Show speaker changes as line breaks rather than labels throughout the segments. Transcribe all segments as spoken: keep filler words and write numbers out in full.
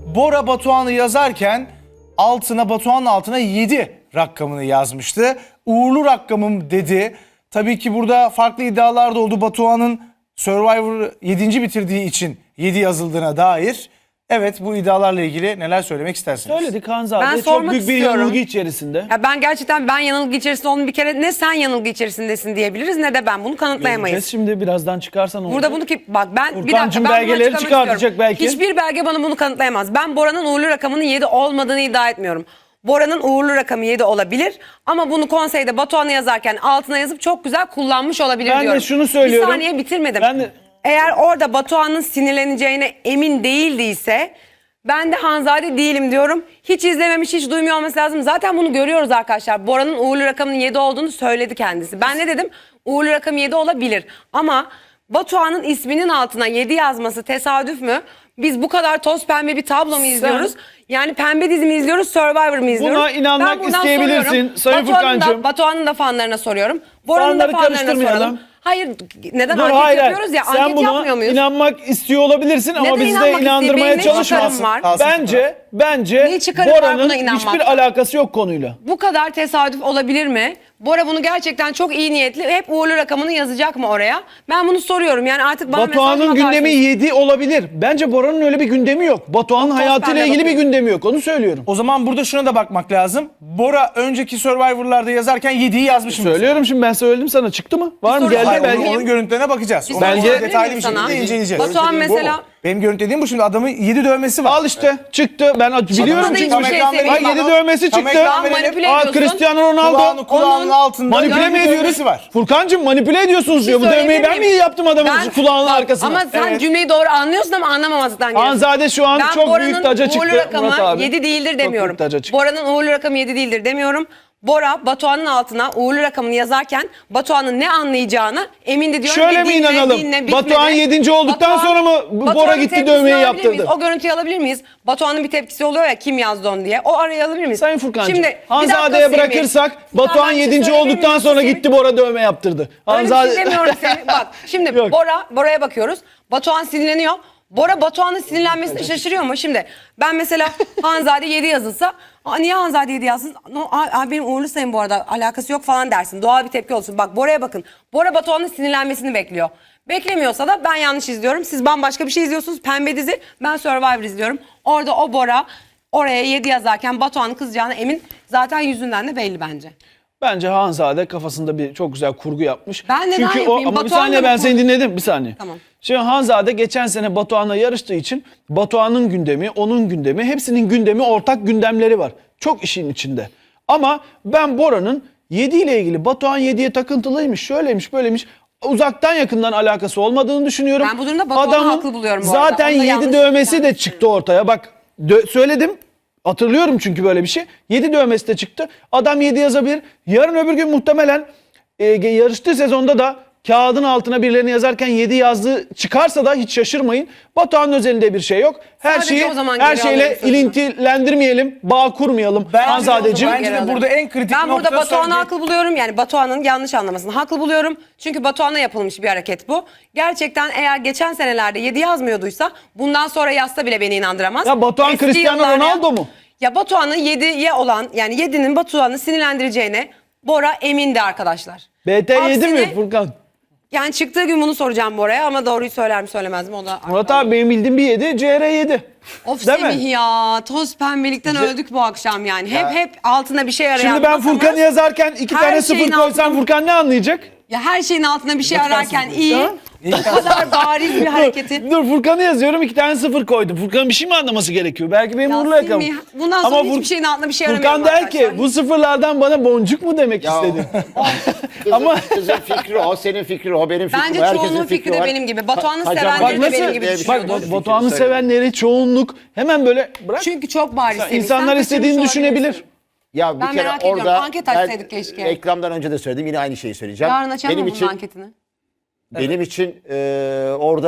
Bora Batuhan'ı yazarken altına Batuhan'ın altına yedi rakamını yazmıştı. Uğurlu rakamım dedi. Tabii ki burada farklı iddialar da oldu. Batuhan'ın Survivor yedinci bitirdiği için yedi yazıldığına dair. Evet, bu iddialarla ilgili neler söylemek istersiniz?
Söyledik Hanzade.
Ben
Çok
sormak
büyük bir
istiyorum.
yanılgı içerisinde.
Ya ben gerçekten ben yanılgı içerisinde olduğunu bir kere ne sen yanılgı içerisindesin diyebiliriz ne de ben bunu kanıtlayamayız.
Göreceğiz şimdi birazdan çıkarsan olacak.
Burada bunu ki bak ben bir
Furkancığım
dakika ben bunu
belgeleri
açıklamak
çıkartacak
istiyorum.
belki.
Hiçbir belge bana bunu kanıtlayamaz. Ben Bora'nın uğurlu rakamının yedi olmadığını iddia etmiyorum. Bora'nın uğurlu rakamı yedi olabilir ama bunu konseyde Batuhan'ı yazarken altına yazıp çok güzel kullanmış olabilir
Ben de
diyorum.
şunu söylüyorum.
Bir saniye bitirmedim.
Ben de-
Eğer orada Batuhan'ın sinirleneceğine emin değildiyse ben de Hanzade değilim diyorum. Hiç izlememiş, hiç duymuyor olması lazım. Zaten bunu görüyoruz arkadaşlar. Bora'nın uğurlu rakamının yedi olduğunu söyledi kendisi. Ben ne dedim? Uğurlu rakam yedi olabilir. Ama Batuhan'ın isminin altına yedi yazması tesadüf mü? Biz bu kadar toz pembe bir tablo mu izliyoruz? Yani pembe dizi mi izliyoruz, Survivor mu izliyoruz?
Buna inanmak
Ben buradan
isteyebilirsin
soruyorum.
Sayın
Batuhan'ın da-
Furkancığım.
Batuhan'ın da fanlarına soruyorum. Bora'nın da
Fanları
fanlarına
karıştırmayalım.
soralım. Hayır, neden
Dur,
anket
hayır, hayır.
yapıyoruz ya?
Sen
Anket
buna
yapmıyor muyuz?
inanmak istiyor olabilirsin ama
Neden
bizi
inanmak
de inandırmaya
isteyeyim? Benim ne
çalışma.
çıkarım var?
Bence, bence
Ne çıkarım var
Bora'nın
buna inanmakta?
hiçbir alakası yok konuyla.
Bu kadar tesadüf olabilir mi? Bora bunu gerçekten çok iyi niyetli hep uğurlu rakamını yazacak mı oraya? Ben bunu soruyorum. Yani artık bana
Batuhan'ın
mesaj mı
gündemi
atarsınız?
yedi olabilir. Bence Bora'nın öyle bir gündemi yok. Batuhan'ın
Çok
hayatıyla
pembe
ilgili bir
bakıyor.
gündemi yok. Onu söylüyorum.
O zaman burada şuna da bakmak lazım. Bora önceki Survivor'larda yazarken yediyi yazmış mı?
Söylüyorum şimdi ben söyledim sana. Çıktı mı? Var mı?
soru
Geldi
Hayır,
belge.
onun, onun görüntülerine bakacağız.
Bir
Onu
soru
sonra
sorabilir
detaylı
miyim
bir
sana?
şekilde inceleyeceğiz.
Batuhan
Görüntülediğim
mesela-
bu. Benim görüntülediğim bu, şimdi adamın yedi dövmesi var.
Al işte çıktı. Ben biliyorum
Adamın da
çünkü.
hiçbir şey
Tam ekran
sevmiyorum.
Bak
verelim.
yedi dövmesi
Tam
çıktı.
ekran
Şu an manipüle
Aa,
ediyorsun.
Cristiano Ronaldo.
Kulağını, kulağının
Onun-
altında
Manipüle mi
dövmesi
ediyoruz?
var.
Furkancığım manipüle ediyorsunuz diyor. Bu
Söyleyebilir
dövmeyi ben mi
miyim?
yaptım adamın
Ben-
kulağının
Bak,
arkasına?
Ama sen
Evet.
cümleyi doğru anlıyorsun ama anlamamazlıktan geliyorsun.
Hanzade şu an
Ben
çok
Bora'nın
büyük taca çıktı.
uğurlu rakamı
Murat abi.
yedi değildir
Çok
demiyorum.
büyük taca çıktı.
Bora'nın uğurlu rakamı yedi değildir demiyorum. Bora Batuhan'ın altına uğurlu rakamını yazarken Batuhan'ın ne anlayacağını emindi diyorum.
Şöyle
Ve
mi
dinle,
inanalım?
dinle, bitmedi.
Batuhan yedinci olduktan sonra mı bu Bora
Batuhan'ın
gitti
tepkisini
dövmeyi
alabilir
yaptırdı?
miyiz? O görüntüyü alabilir miyiz? Batuhan'ın bir tepkisi oluyor ya kim yazdı onu diye. O arayı alabilir miyiz?
Sayın Furkancığım,
Şimdi, bir dakika
Hanzade'ye
Semih.
bırakırsak
Tamam,
Batuhan
ben bir şey
yedinci
söyleyebilir
olduktan
miyim
sonra
Semih?
gitti Bora dövme yaptırdı.
Öyle bir şey demiyorum Semih. Bak şimdi
Yok.
Bora, Bora'ya bakıyoruz. Batuhan sinirleniyor. Bora Batuhan'ın sinirlenmesine şaşırıyor mu? Şimdi ben mesela Hanzade yedi yazılsa, "Aa, niye Hanzade yedi yazsın? No, aa, aa, benim uğurlu sayım bu arada alakası yok falan dersin. Doğal bir tepki olsun. Bak Bora'ya bakın. Bora Batuhan'ın sinirlenmesini bekliyor. Beklemiyorsa da ben yanlış izliyorum. Siz bambaşka bir şey izliyorsunuz. Pembe dizi. Ben Survivor izliyorum. Orada o Bora oraya yedi yazarken Batuhan'ın kızacağına emin. Zaten yüzünden de belli bence.
Bence Hanzade kafasında bir çok güzel kurgu yapmış.
Ben neden
Çünkü o
yapayım?
ama bir
Batuhan
saniye
da
ben
bu
seni
konu-
dinledim bir saniye.
Tamam.
Şimdi Hanzade geçen sene Batuhan'la yarıştığı için Batuhan'ın gündemi, onun gündemi, hepsinin gündemi, ortak gündemleri var. Çok işin içinde. Ama ben Bora'nın yedi ile ilgili Batuhan yediye takıntılıymış, şöyleymiş, böyleymiş. Uzaktan yakından alakası olmadığını düşünüyorum.
Ben bu durumda Batuhan'ı haklı buluyorum bu arada.
Zaten
Onda
yedi
yanlış
dövmesi de
yanlış
çıktı ortaya. Bak dö- söyledim. Hatırlıyorum çünkü böyle bir şey. yedi dövmesi de çıktı. Adam yedi yazabilir. Yarın öbür gün muhtemelen e, yarıştığı sezonda da kağıdın altına birilerini yazarken yedi yazdığı çıkarsa da hiç şaşırmayın. Batuhan'ın özelinde bir şey yok. Her
Sadece
şeyi
o zaman
her
geri
şeyle
alalım sözünü.
ilintilendirmeyelim. Bağ kurmayalım.
Bence de o
Hanzadeciğim.
zaman- Bence de burada en kritik
ben burada
nokta
Batuhan'ı
söyledi-
haklı buluyorum. Yani Batuhan'ın yanlış anlamasını haklı buluyorum. Çünkü Batuhan'a yapılmış bir hareket bu. Gerçekten eğer geçen senelerde yedi yazmıyorduysa bundan sonra yazsa bile beni inandıramaz.
Ya Batuhan
Eski
Cristiano
yıllarda-
Ronaldo mu?
Ya Batuhan'ın yediye olan yani yedinin Batuhan'ı sinirlendireceğine Bora emindi arkadaşlar.
B T yedi mi
Aksine-
Furkan?
Yani çıktığı gün bunu soracağım Bora'ya ama doğruyu söyler mi söylemez mi o da.
Murat abi benim bildiğim bir yedi, C R yedi.
Of
Değil mi?
Semih ya toz pembelikten öldük bu akşam yani. Hep hep altına bir şey arayan.
Şimdi ben
masamız-
Furkan'ı yazarken iki
Her
tane
şeyin
sıfır koysam
altına-
Furkan ne anlayacak?
Ya her şeyin altına bir şey ararken
sıfır.
iyi.
Tamam.
Bu kadar bariz bir hareketi.
Dur, dur Furkan'ı yazıyorum iki tane sıfır koydum. Furkan'ın bir şey mi anlaması gerekiyor? Belki benim
Ya
uğurlu rakamım.
Semih, bundan sonra
Ama
hiçbir
Fur-
şeyin altına bir şey
Furkan
aramıyorum
der
arkadaşlar.
ki bu sıfırlardan bana boncuk mu demek
Ya.
istedi?
Kızın,
Ama-
kızın fikri o, senin fikrin o, benim fikrim
Bence
o. Herkesin
çoğunluğun fikri de
var.
benim gibi. Batuhan'ı
Ka-
sevenleri
Bak
de
nasıl-
benim gibi
diye bir
düşünüyordur.
şey
Bak
yok.
Batuhan'ı
Fikrini
sevenleri çoğunluk hemen böyle bırak.
Çünkü çok bariz Semih. Sen
İnsanlar
kaçırmış
istediğini
olabilirsin.
düşünebilir.
Ya bir
Ben
kere
merak ediyorum.
orada
Anket açsaydık keşke.
reklamdan önce de söyledim, yine aynı şeyi söyleyeceğim.
Yarın açalım
benim
mı bunun
için
anketini?
benim için e, orada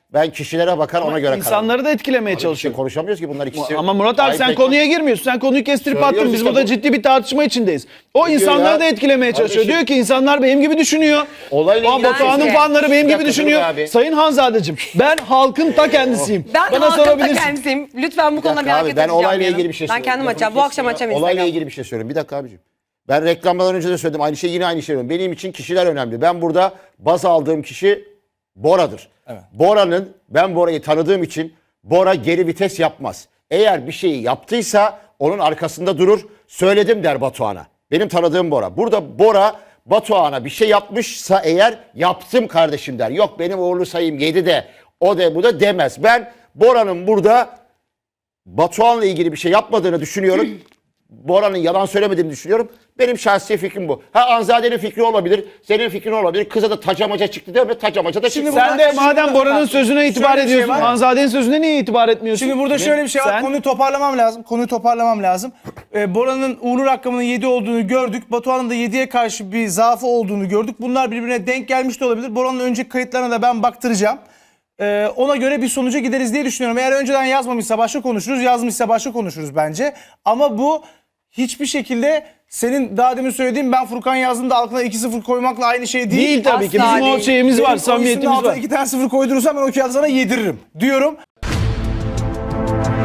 Ben kişilere bakar ona göre karar.
İnsanları da etkilemeye
Şey
çalışıyor.
konuşamıyoruz ki bunlar ikisi.
Ama Murat abi
Ait
sen
tek-
konuya girmiyorsun. Sen konuyu kestirip
Söylüyoruz
attın. Biz
işte
burada
bu.
ciddi bir tartışma içindeyiz. O
Ne diyor
insanları
ya?
da etkilemeye çalışıyor.
Kardeşim-
Diyor ki insanlar benim gibi düşünüyor.
Olayla
Aa,
ilgili-
Batuhan'ın
Bence-
fanları benim
Bir
gibi
dakika,
düşünüyor.
dur abi.
Sayın Hanzadeciğim ben halkın ta kendisiyim.
Ben
Bana
halkın ta
sorabilirsin.
kendisiyim. Lütfen bu
Bir
konuda
dakika
bir
abi,
hareket
ben
edeceğim
olayla
yarın.
ilgili bir şey
Ben
söyleyeyim.
kendim
Lafını
açacağım. Bu akşam
kestim ya.
açacağım
Olayla
Instagram.
ilgili bir şey söyleyeyim. Bir dakika abicim. Ben reklamdan önce de söyledim. Aynı şey yine aynı şey diyorum. Benim için kişiler önemli. Ben burada baz aldığım kişi Bora'dır. Bora'nın, ben Bora'yı tanıdığım için Bora geri vites yapmaz. Eğer bir şeyi yaptıysa onun arkasında durur. Söyledim der Batuhan'a. Benim tanıdığım Bora. Burada Bora Batuhan'a bir şey yapmışsa eğer yaptım kardeşim der. Yok benim uğurlu sayım yedi de o da bu da demez. Ben Bora'nın burada Batuhan'la ilgili bir şey yapmadığını düşünüyorum. Bora'nın yalan söylemediğini düşünüyorum. Benim şahsi fikrim bu. Ha Anzade'nin fikri olabilir, senin fikrin olabilir. Kıza da tacamaca çıktı değil mi? Tacamaca da çıktı.
Şimdi
Sen de
Şimdi
madem
burada-
Bora'nın
bak,
sözüne itibar
şöyle bir şey
ediyorsun.
var.
Hanzade'nin sözüne niye itibar etmiyorsun?
Şimdi burada şöyle bir şey var.
Sen-
Konuyu toparlamam lazım. Konuyu toparlamam lazım. Ee, Bora'nın uğurlu rakamının yedi olduğunu gördük. Batuhan'ın da yediye karşı bir zaafı olduğunu gördük. Bunlar birbirine denk gelmiş de olabilir. Bora'nın önceki kayıtlarına da ben baktıracağım. Ee, ona göre bir sonuca gideriz diye düşünüyorum. Eğer önceden yazmamışsa başka konuşuruz, yazmışsa başka konuşuruz bence. Ama bu hiçbir şekilde senin daha demin söylediğin ben Furkan yazdım da altına iki sıfır koymakla aynı şey değil.
Değil tabii ki.
Asla
Bizim o
değil.
şeyimiz
Benim
var,
o isimin
samimiyetimiz
altına
var.
iki tane sıfır koydurursam ben o kağıdı sana yediririm diyorum.